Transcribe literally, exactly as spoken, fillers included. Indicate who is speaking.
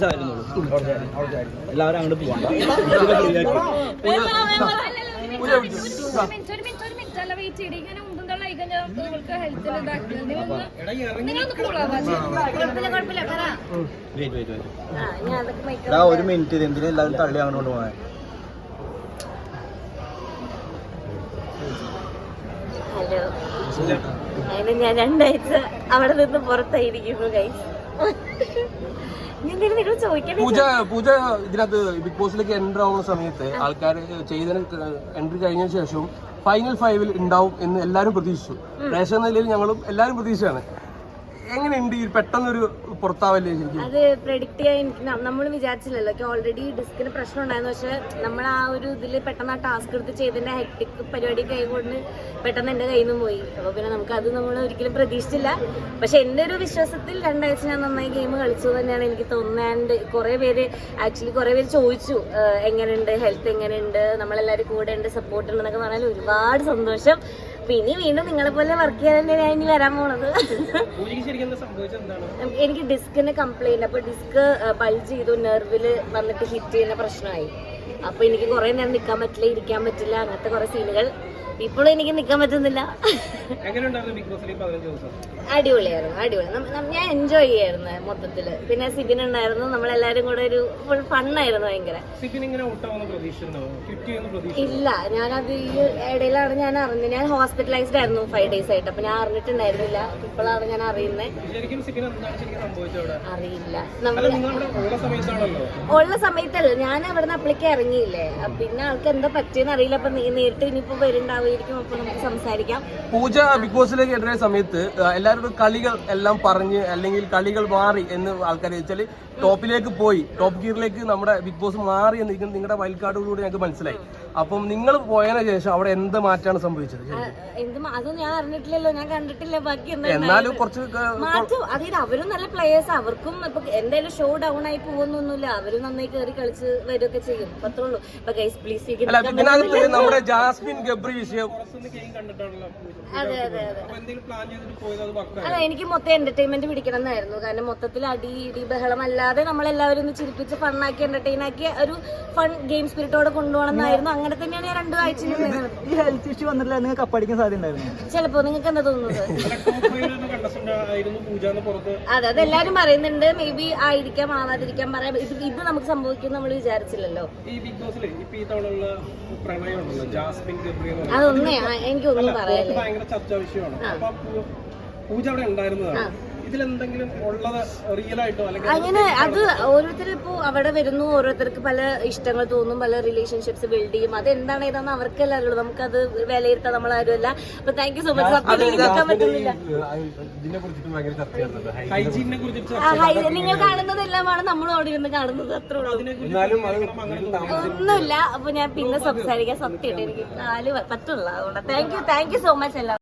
Speaker 1: എല്ലാവരും അങ്ങോട്ട് പോവാം. ഒരു മിനിറ്റ് ഇത് എന്തിനാ എല്ലാവരും തള്ളി അങ്ങോട്ട് പോകാൻ?
Speaker 2: ഹലോ, അതിന് ഞാൻ രണ്ടാഴ്ച അവിടെ നിന്ന് പുറത്തായിരിക്കുന്നു ഗൈസ്.
Speaker 3: പൂജ പൂജ ഇതിനകത്ത് ബിഗ് ബോസിലേക്ക് എൻട്രി ആവുന്ന സമയത്ത് ആൾക്കാർ ചെയ്തതിന് എൻട്രി കഴിഞ്ഞ ശേഷവും ഫൈനൽ ഫൈവിൽ ഉണ്ടാവും എന്ന് എല്ലാവരും പ്രതീക്ഷിച്ചു. പ്രേക്ഷക നിലയിൽ ഞങ്ങളും എല്ലാവരും പ്രതീക്ഷയാണ്. എങ്ങനെയുണ്ട് ഈ പെട്ടെന്നൊരു പുറത്താവല്ലേ? ശരിക്കും
Speaker 2: അത് പ്രെഡിക്റ്റ് ചെയ്യാൻ നമ്മൾ വിചാരിച്ചില്ലല്ലോ. ഓൾറെഡി ഡിസ്കിന് പ്രശ്നം ഉണ്ടായിരുന്നു. പക്ഷെ നമ്മൾ ആ ഒരു ഇതിൽ പെട്ടെന്ന് ആ ടാസ്ക് എടുത്ത് ചെയ്തതിന്റെ ഹെക്ടിക് പരിപാടി കൈകൊണ്ട് പെട്ടെന്ന് എന്റെ കയ്യിൽ നിന്ന് പോയി. അപ്പൊ പിന്നെ നമുക്ക് അത് നമ്മൾ ഒരിക്കലും പ്രതീക്ഷിച്ചില്ല. പക്ഷെ എന്റെ ഒരു വിശ്വാസത്തിൽ രണ്ടാഴ്ച ഞാൻ നന്നായി ഗെയിം കളിച്ചു തന്നെയാണ് എനിക്ക് തോന്നുന്നത്. കുറെ പേര് ആക്ച്വലി കുറെ പേര് ചോദിച്ചു എങ്ങനെയുണ്ട്, ഹെൽത്ത് എങ്ങനെയുണ്ട്, നമ്മളെല്ലാവരും കൂടെ ഉണ്ട്, സപ്പോർട്ട് ഉണ്ടെന്നൊക്കെ പറഞ്ഞാൽ ഒരുപാട് സന്തോഷം. പിന്നെ വീണ്ടും നിങ്ങളെ പോലെ വർക്ക് ചെയ്യാൻ തന്നെ ഞാൻ ഇനി വരാൻ പോണത്. എനിക്ക് ഡിസ്കിന് കംപ്ലൈന്റ്, അപ്പൊ ഡിസ്ക് ബൾജ് ചെയ്തു, നെർവില് വന്നിട്ട് ഹിറ്റ് ചെയ്യുന്ന പ്രശ്നമായി. അപ്പൊ എനിക്ക് കുറെ നേരം നിൽക്കാൻ പറ്റില്ല, ഇരിക്കാൻ പറ്റില്ല, അങ്ങനത്തെ കുറെ സീനുകൾ. ഇപ്പോഴും എനിക്ക് നിൽക്കാൻ പറ്റുന്നില്ല. അടിപൊളിയായിരുന്നു, അടിപൊളി. ഞാൻ എൻജോയ് ചെയ്യായിരുന്നു മൊത്തത്തില്. പിന്നെ സിബിൻ ഉണ്ടായിരുന്നു, നമ്മളെല്ലാരും കൂടെ ഒരു ഫുൾ ഫണ്ണായിരുന്നു ഭയങ്കര. ഇല്ല, ഞാനത് ഈ ഇടയിലാണ് ഞാൻ അറിഞ്ഞത്. ഞാൻ ഹോസ്പിറ്റലൈസ്ഡ് ആയിരുന്നു ഫൈവ് ഡേയ്സ് ആയിട്ട്. അപ്പൊ ഞാൻ അറിഞ്ഞിട്ടുണ്ടായിരുന്നില്ല. ഇപ്പോഴാണ് ഞാൻ അറിയുന്നത്. അറിയില്ല, ഉള്ള സമയത്തല്ല, ഞാൻ അവിടെ നിന്ന് അപ്പളേക്ക് ഇറങ്ങിയില്ലേ. പിന്നെ ആൾക്ക് എന്താ പറ്റിയെന്ന് അറിയില്ല. അപ്പൊ നേരിട്ട് ഇനിയിപ്പോ വരുന്നുണ്ടാവും. അപ്പൊ നമുക്ക് സംസാരിക്കാം.
Speaker 3: പൂജ ബിഗ് ബോസിലേക്ക് എത്തുന്ന സമയത്ത് എല്ലാവരും കളികൾ എല്ലാം പറഞ്ഞ് അല്ലെങ്കിൽ കളികൾ മാറി എന്ന് ആൾക്കാർ വെച്ചാൽ ടോപ്പിലേക്ക് പോയി, ടോപ്പ് ഗിയറിലേക്ക് നമ്മുടെ ബിഗ് ബോസ് മാറി എന്ന് നിങ്ങളുടെ വൈൽഡ് കാർഡുകളിലൂടെ ഞങ്ങൾക്ക് മനസ്സിലായി. അപ്പം നിങ്ങൾ പോയതിനു ശേഷം അവിടെ എന്ത് മാറ്റാണ് സംഭവിച്ചത്?
Speaker 2: അതൊന്നും ഞാൻ അറിഞ്ഞിട്ടില്ലല്ലോ, ഞാൻ കണ്ടിട്ടില്ല. ബാക്കി
Speaker 3: എന്നാലും കുറച്ച്
Speaker 2: മാറ്റം, അതായത് അവരും നല്ല പ്ലേയേഴ്സ്. അവർക്കും ഇപ്പൊ എന്തായാലും ഷോ ഡൗൺ ആയി പോകുന്നൊന്നുമില്ല. അവരും നന്നായി കയറി കളിച്ച് വരികയൊക്കെ ചെയ്യും. അത്രേ ഉള്ളൂ. ഇപ്പൊ ഗൈസ് പ്ലീസ്,
Speaker 3: നമ്മുടെ ജാസ്മിൻ ഗബ്രി വിഷയം.
Speaker 2: അതെ അതെ അതെ അല്ല, എനിക്ക് മൊത്തം എന്റർടൈൻമെന്റ് പിടിക്കണം എന്നായിരുന്നു. കാരണം മൊത്തത്തിൽ അടി ഇടി ബഹളം അല്ലാതെ നമ്മളെല്ലാവരും ഒന്ന് ചിരിപ്പിച്ച് ഫണ്ണാക്കി എന്റർടൈൻ ആക്കി ഒരു ഫൺ ഗെയിം സ്പിരിറ്റോടെ കൊണ്ടുപോകണം എന്നായിരുന്നു. അങ്ങനെ തന്നെയാണ് ഞാൻ രണ്ടു ആഴ്ച.
Speaker 1: ഈ ഹെൽത്ത് ഇഷ്യൂ വന്നിട്ടില്ല, നിങ്ങൾക്ക് കപ്പടിക്കാൻ സാധ്യത ഉണ്ടായിരുന്നു
Speaker 2: ചിലപ്പോ. നിങ്ങൾക്ക് എന്താ തോന്നുന്നത്? അതെ, അതെല്ലാരും പറയുന്നുണ്ട്. മേ ബി ആയിരിക്കാം, ആവാതിരിക്കാൻ പറയാം. ഇത് ഇത് നമുക്ക് സംഭവിക്കും നമ്മൾ വിചാരിച്ചില്ലല്ലോ. അതൊന്നേ എനിക്കൊന്നും പറയാനില്ല. അങ്ങനെ അത് ഓരോരുത്തർ ഇപ്പോ അവിടെ വരുന്നു, ഓരോരുത്തർക്ക് പല ഇഷ്ടങ്ങൾ തോന്നും, പല റിലേഷൻഷിപ്സ് ബിൽഡ് ചെയ്യും. അത് എന്താണ് ഏതാന്ന് അവർക്കല്ലേ അറിയുള്ളൂ. നമുക്കത് വിലയിരുത്താൻ നമ്മളാരും അല്ല. അപ്പൊ താങ്ക് യു സോ മച്ച്. സത്യം എനിക്ക് നിൽക്കാൻ പറ്റുന്നില്ല. നിങ്ങൾ കാണുന്നതെല്ലാമാണ് നമ്മൾ അവിടെ ഇരുന്ന് കാണുന്നത്. അത്രേ ഉള്ളൂ, ഒന്നുമില്ല. അപ്പൊ ഞാൻ പിന്നെ സംസാരിക്കാൻ സത്യമായിട്ട് എനിക്ക് കാല് പറ്റുള്ള. അതുകൊണ്ട് thank you thank you so much എല്ലാം.